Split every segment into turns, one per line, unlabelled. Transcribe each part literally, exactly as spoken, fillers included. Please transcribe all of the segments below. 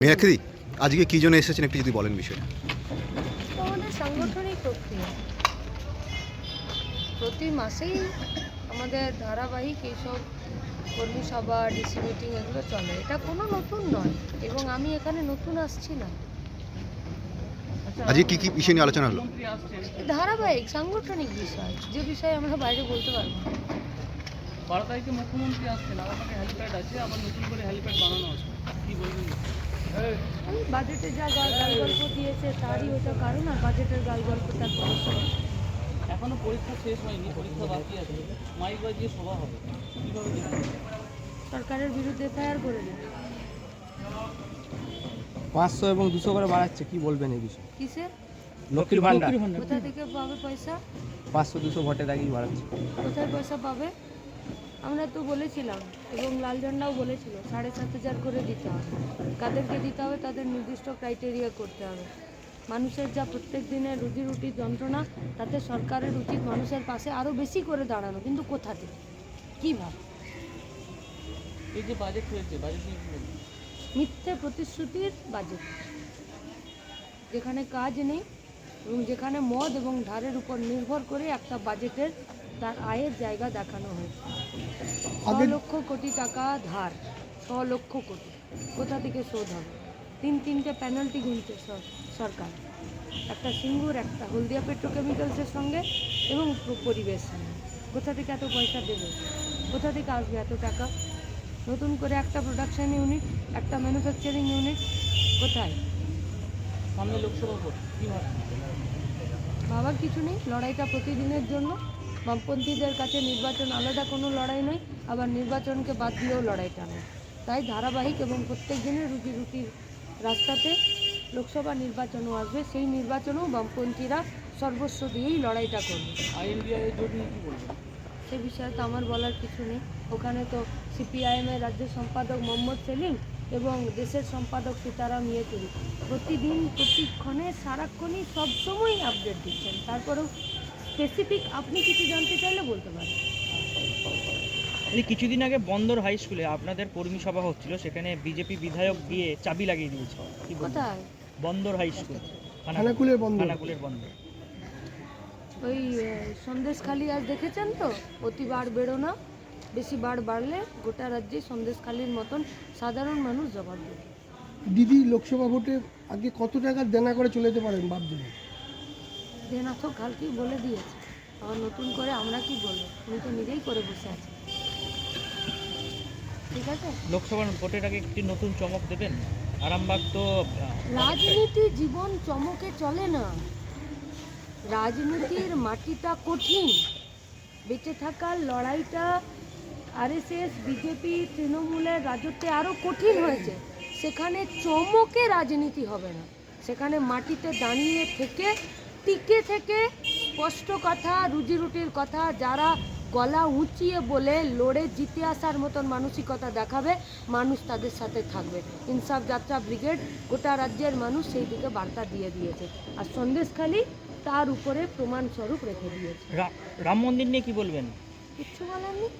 মীনাক্ষী, আজকে কি জন্য এসেছেন একটু যদি বলেন বিষয়টা।
আমাদের সাংগঠনিক প্রক্রিয়া প্রতি মাসেই আমাদের ধারাবাহিক এইসব কর্মী সভা, ডিসি মিটিং এগুলো চলে। এটা কোনো নতুন নয় এবং আমি এখানে নতুন আসছি না।
আজকে কি কি বিষয় নিয়ে আলোচনা হলো?
ধারাবাহিক সাংগঠনিক বিষয়, যে বিষয়ে আমরা বাইরে বলতে পারবো না।
বারো তারিখে মুখ্যমন্ত্রী আসছেন, আলাদাকে হেলিপ্যাড আছে, আবার নতুন করে হেলিপ্যাড বানানো আছে, কি বলবেন?
ওই বাজেটে যা গাল গল্প দিয়েছে তারই ওটা কারণ, আর বাজেটের গাল গল্পটার পড়াশোনা
এখনো পরীক্ষা শেষ হয়নি, পরীক্ষা বাকি আছে, মাইক বাজিয়ে সভা হবে, কীভাবে দেখবেন?
সরকারের বিরুদ্ধে এফআইআর করে দেবে।
পাঁচশো এবং দুশো করে বাড়াচ্ছে, কি বলবেন এই বিষয়ে?
কিসে?
লক্ষ্মীর ভান্ডার
কোথা থেকে পাবে পয়সা?
পাঁচশো দুশো ভোটের আগেই বাড়াচ্ছে।
কোথায় পয়সা পাবে? আমরা তো বলেছিলাম এবং লাল ঝান্ডাও বলেছিল সাড়ে সাত হাজার করে দিতে হবে। কাদেরকে দিতে হবে তাদের নির্দিষ্ট ক্রাইটেরিয়া করতে হবে। মানুষের যা প্রত্যেক দিনের রুজি রুটির যন্ত্রণা, তাতে সরকারের উচিত মানুষের পাশে আরও বেশি করে দাঁড়ানো, কিন্তু কোথা থেকে, কীভাবে?
এই যে বাজেট হয়েছে, বাজেট নিয়ে কি বলবেন?
মিথ্যে প্রতিশ্রুতির বাজেট, যেখানে কাজ নেই এবং যেখানে মদ এবং ধারের উপর নির্ভর করে একটা বাজেটের তার আয়ের জায়গা দেখানো হয়েছে। ছ লক্ষ কোটি টাকা ধার, ছ লক্ষ কোটি কোথা থেকে শোধ হবে? তিন তিনটে পেনাল্টি গুনছে সরকার, একটা সিঙ্গুর, একটা হলদিয়া পেট্রোকেমিক্যালসের সঙ্গে এবং পরিবেশ সঙ্গে। কোথা থেকে এত পয়সা দেবে? কোথা থেকে আসবে এত টাকা? নতুন করে একটা প্রোডাকশন ইউনিট, একটা ম্যানুফ্যাকচারিং ইউনিট কোথায়?
সামনে লোকসভা ভোট, কী ভাবছেন?
ভাবার কিছু নেই, লড়াইটা প্রতিদিনের জন্য। বামপন্থীদের কাছে নির্বাচন আলাদা কোনো লড়াই নয়, আবার নির্বাচনকে বাদ দিয়েও লড়াইটা নয়। তাই ধারাবাহিক এবং প্রত্যেক দিনের রুটি রুটির রাস্তাতে লোকসভা নির্বাচনও আসবে, সেই নির্বাচনেও বামপন্থীরা সর্বস্ব দিয়েই লড়াইটা করবে।
আইএনডিআই জোট নিয়ে কী বলবেন?
সে বিষয়ে তো আমার বলার কিছু নেই। ওখানে তো সিপিআইএমের রাজ্য সম্পাদক মোহাম্মদ সেলিম এবং দেশের সম্পাদক সীতারাম ইয়েচুরি প্রতিদিন প্রতিক্ষণে সারাক্ষণই সবসময় আপডেট দিচ্ছেন। তারপরেও স্পেসিফিক আপনি কিছু জানতে চাইলে বলতে পারেন।
এই কিছুদিন আগে বন্দর হাই স্কুলে আপনাদের কর্মী সভা হচ্ছিল, সেখানে বিজেপি বিধায়ক দিয়ে চাবি লাগিয়ে দিয়েছে, কি বলবেন?
কোথায়?
বন্দর হাই স্কুল,
খানাকুলের বন্দর।
খানাকুলের বন্দর।
ওই সন্দেশখালি আজ দেখেছেন তো, অতি বাড় বেরো না, বেশি বাড় বাড়লে গোটা রাজ্যে সন্দেশখালির মতন সাধারণ মানুষ জবাব দেবে।
দিদি, লোকসভা ভোটে আগে কত টাকা দেনা করে চলে যেতে পারেন ভাবছেন?
দেনা তো কালকেই বলে দিয়েছে, আবার নতুন করে আমরা কি বলবো? উনি তো নিজেই করে বসে আছে। ঠিক আছে,
লোকসভার ভোটের আগে একটি নতুন চমক দেবেন? আরামবাগ তো
রাজনীতি জীবন চমকে চলে না। রাজনীতির মাটিটা কঠিন, বেঁচে থাকার লড়াইটা আরএসএস, বিজেপি, তৃণমূলের রাজত্বে আরও কঠিন হয়েছে। সেখানে চমকে রাজনীতি হবে না, সেখানে মাটিতে দাঁড়িয়ে থেকে, টিকে থেকে স্পষ্ট কথা, রুজি রুটির কথা, যারা গলা উঁচিয়ে বলে লড়ে জিতে আসার মতন মানসিকতা দেখাবে, মানুষ তাদের সাথে থাকবে। ইনসাফ যাত্রা ব্রিগেড গোটা রাজ্যের মানুষ সেই দিকে বার্তা দিয়ে দিয়েছে, আর সন্দেশখালি তার উপরে প্রমাণস্বরূপ রেখে দিয়েছে।
রাম মন্দির নিয়ে কি বলবেন?
কিচ্ছু বলার নেই।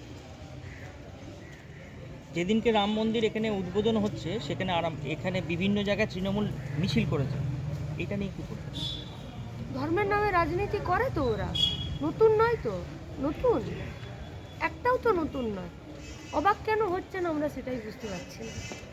যেদিনকে রাম মন্দির এখানে উদ্বোধন হচ্ছে, সেখানে আরাম এখানে বিভিন্ন জায়গায় তৃণমূল মিছিল করেছে, এটা নিয়ে কী করবেন?
ধর্মের নামে রাজনীতি করে তো ওরা, নতুন নয় তো, নতুন একটাও তো নতুন নয়। অবাক কেন হচ্ছেন আমরা সেটাই বুঝতে পারছি না।